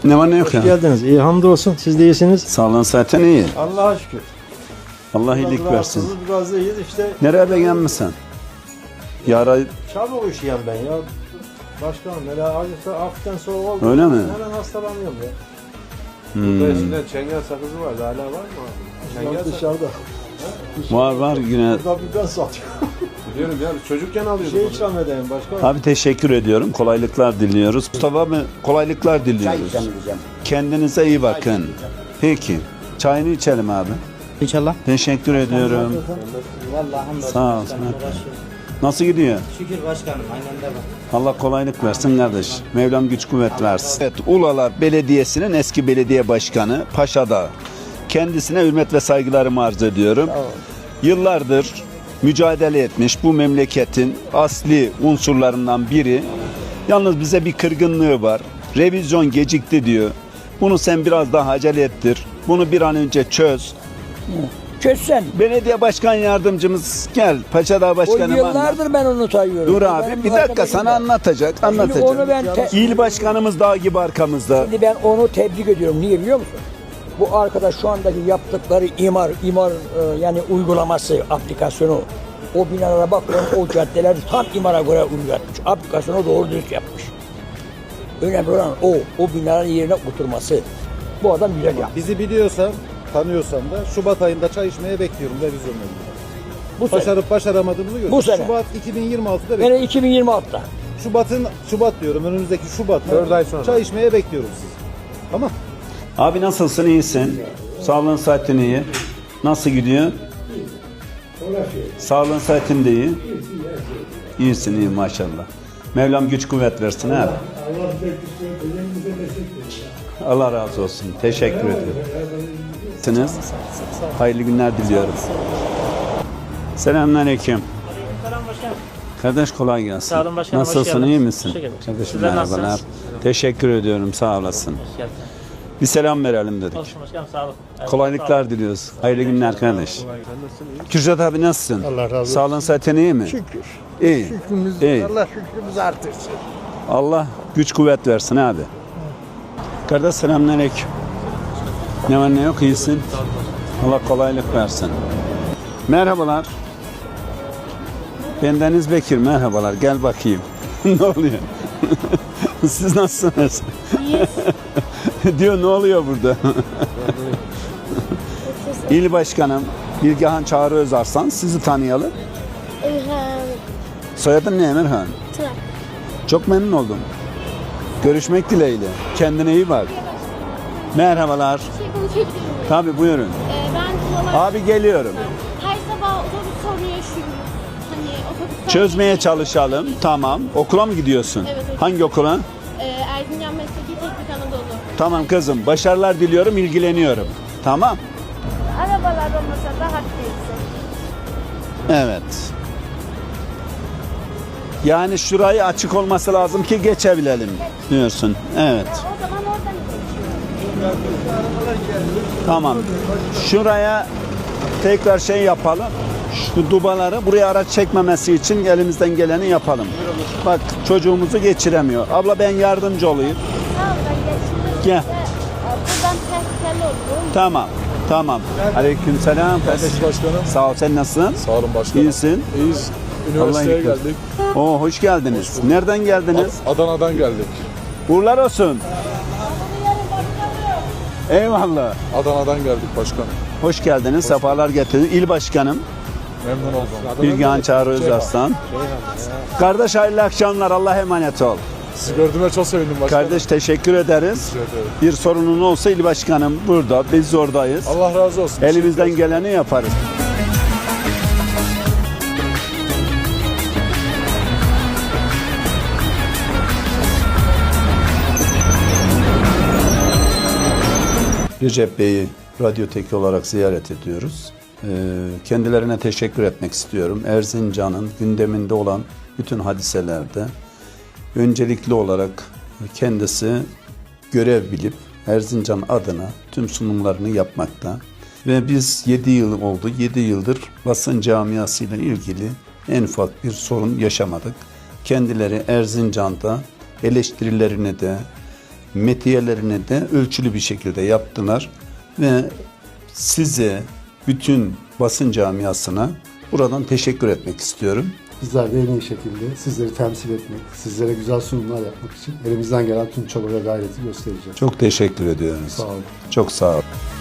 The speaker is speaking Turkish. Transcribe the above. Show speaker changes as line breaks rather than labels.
Ne var ne yok
Hoş
ya?
geldiniz. İyi hamdolsun. Siz de iyisiniz.
Sağlığın zaten iyi.
Allah'a şükür.
Allah iyilik versin.
Biraz da iyiyiz işte.
Nereye beğenmişsin? Yara
Çabuk üşüyen ben ya. Başkanım hele acıkta hafiften soğuk oldu.
Öyle mi?
Hemen hastalanıyorum ya.
Burada eskiden çengel sakızı vardı. Hala var mı abi? Çengel sakızı.
Dışarıda.
var yine.
Burada bir ben satıyorum.
Biliyorum ya. Çocukken alıyorduk
Şey
onu.
ikram edeyim başkanım.
Abi teşekkür ediyorum. Kolaylıklar diliyoruz. Mustafa abi kolaylıklar diliyoruz. Kendinize iyi bakın. Peki. Çayını içelim abi.
İnşallah.
Teşekkür ediyorum.
Vallahi hamdolsun.
Sağ ol. Nasıl gidiyor?
Şükür başkanım. Aynen de var.
Allah kolaylık versin kardeş. Mevlam güç kuvvet versin. Evet, Ulalar Belediyesi'nin eski belediye başkanı Paşa'da. Kendisine hürmet ve saygılarımı arz ediyorum. Yıllardır mücadele etmiş bu memleketin asli unsurlarından biri. Yalnız bize bir kırgınlığı var. Revizyon gecikti diyor. Bunu sen biraz daha acele ettir. Bunu bir an önce çöz.
Çözsen.
Belediye başkan yardımcımız gel. Paşadağ
O
başkanım anlat.
yıllardır ben onu sayıyorum.
Dur abi
Benim
bir dakika
arkadaşım
sana
da.
anlatacak.
Şimdi
Anlatacak.
onu ben
İl başkanımız dağ gibi arkamızda.
Şimdi ben onu tebrik ediyorum. Niye biliyor musun? Bu arkadaş şu andaki yaptıkları imar yani uygulaması, aplikasyonu, o binalara bakıyorum, o caddeler tam imara göre uygulatmış. Aplikasyonu doğru dürüst yapmış. Önemli olan o binaların yerine oturması. Bu adam güzel yapmış.
Bizi biliyorsan, tanıyorsan da Şubat ayında çay içmeye bekliyorum revizyonla.
Bu sene.
Başarıp başaramadığımızı görüyoruz.
Bu sene.
Şubat 2026'da
Yani 2026'da.
Şubat diyorum önümüzdeki Şubat'ta
4 ay sonra.
çay içmeye bekliyoruz sizi. Tamam.
Abi nasılsın? İyisin. Sağlığın saatin iyi. Nasıl gidiyor? Sağlığın saatin de iyi. İyisin iyi maşallah. Mevlam güç kuvvet versin abi. Allah razı olsun. Teşekkür ediyorum. Siz hayırlı günler diliyorum. Selamünaleyküm.
Selam başkanım.
Kardeş kolay gelsin.
Sağ olun başkanım, hoş
Nasılsın?
geldiniz.
İyi misin?
Teşekkür ederim.
Kardeşim
Sizler
merhabalar.
nasılsınız?
Teşekkür ediyorum. Sağ olasın.
Hoş geldin.
Bir selam verelim dedik.
Olsun başkanım sağ olun. Evet, sağ
Kolaylıklar
olun.
diliyoruz. Hayırlı günler kardeş. Kürşat abi nasılsın?
Allah razı olsun.
Sağlığın saatin iyi mi?
Şükür.
İyi.
Şükrümüz,
İyi.
Allah şükrümüzü artırsın.
Allah güç kuvvet versin abi. Kardeş selamünaleyküm. Ne var ne yok iyisin. Allah kolaylık versin. Merhabalar. Ben Deniz Bekir merhabalar. Gel bakayım. Ne oluyor? Siz nasılsınız? Diyor ne oluyor burada? İl Başkanım Bilgehan Çağrı Özarslan sizi tanıyalım.
İlhan
Soyadın ne Emirhan?
Tırak.
Çok memnun oldum. Görüşmek dileğiyle. Kendine iyi bak. Merhabalar.
Şey konuşabilir miyim?
Tabii buyurun.
Ben Ulalar
Abi geliyorum.
her sabah otobüs sorunu yaşıyoruz. Hani otobüs
Çözmeye çalışalım. Tamam. Okula mı gidiyorsun?
Evet, evet.
Hangi okula?
Erzincan Mesleki Teknik Anadolu.
Tamam kızım. Başarılar diliyorum, ilgileniyorum. Tamam.
Arabalar olmasa rahat değilsin.
Evet. Yani şurayı açık olması lazım ki geçebilelim diyorsun. Evet.
O zaman oradan
Tamam. Şuraya tekrar şey yapalım. Şu dubaları buraya araç çekmemesi için elimizden geleni yapalım. Bak çocuğumuzu geçiremiyor. Abla ben yardımcı olayım.
Sağ ol ben geçtim.
Gel.
Buradan tehlikeli olur.
Tamam. Tamam. Aleykümselam.
Kardeş başkanım.
Sağ ol. Sen nasılsın?
Sağ olun başkanım.
İyisin.
İyiyiz.
Allah'ın
Üniversiteye
yıkılsın.
geldik.
Oo hoş geldiniz. Nereden geldiniz?
Adana'dan geldik.
Uğurlar olsun. Eyvallah.
Adana'dan geldik başkanım.
Hoş geldiniz. Sefalar getirdiniz. İl Başkanım
Memnun oldum.
Bilgehan Çağrı Özarslan. Kardeş hayırlı akşamlar. Allah'a emanet ol.
Sizi gördüğüme çok sevindim başkanım.
Kardeş teşekkür ederiz.
Teşekkür ederim.
Bir sorunun olsa il başkanım burada. Biz oradayız.
Allah razı olsun.
Elimizden geleni yaparız. Recep Bey'i radyoteki olarak ziyaret ediyoruz. Kendilerine teşekkür etmek istiyorum. Erzincan'ın gündeminde olan bütün hadiselerde öncelikli olarak kendisi görev bilip Erzincan adına tüm sunumlarını yapmakta. Ve biz 7 yıl oldu. 7 yıldır basın camiasıyla ilgili en ufak bir sorun yaşamadık. Kendileri Erzincan'da eleştirilerini de metiyelerini de ölçülü bir şekilde yaptılar ve size, bütün basın camiasına buradan teşekkür etmek istiyorum.
Bizler de en iyi şekilde sizleri temsil etmek, sizlere güzel sunumlar yapmak için elimizden gelen tüm çaba ve gayreti göstereceğiz.
Çok teşekkür ediyoruz.
Sağ olun.
Çok sağ olun.